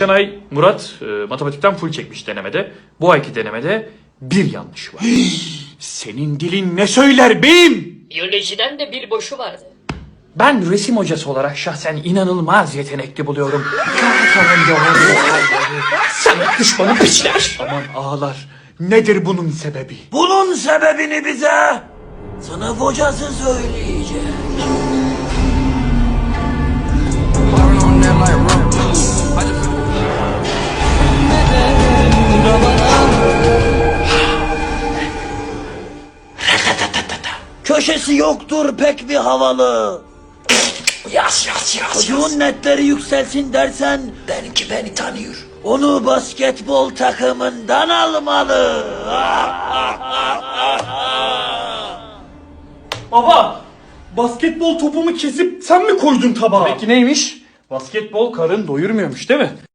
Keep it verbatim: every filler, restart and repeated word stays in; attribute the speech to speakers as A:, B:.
A: geçen ay Murat e, matematikten full çekmiş denemede. Bu ayki denemede bir yanlış var. Senin dilin ne söyler beyim?
B: Biyolojiden de bir boşu vardı.
A: Ben resim hocası olarak şahsen inanılmaz yetenekli buluyorum. Sana düşmanı piçler. Aman ağlar. Nedir bunun sebebi?
C: Bunun sebebini bize sınıf hocası söyleyecek. Köşesi yoktur pek bir havalı.
A: Yaz yaz yaz.
C: Çocuğun netleri yükselsin dersen
A: Benimki beni tanıyor.
C: onu basketbol takımından almalı.
D: Baba, basketbol topumu kesip sen mi koydun tabağa?
A: Peki neymiş? Basketbol karın doyurmuyormuş değil mi?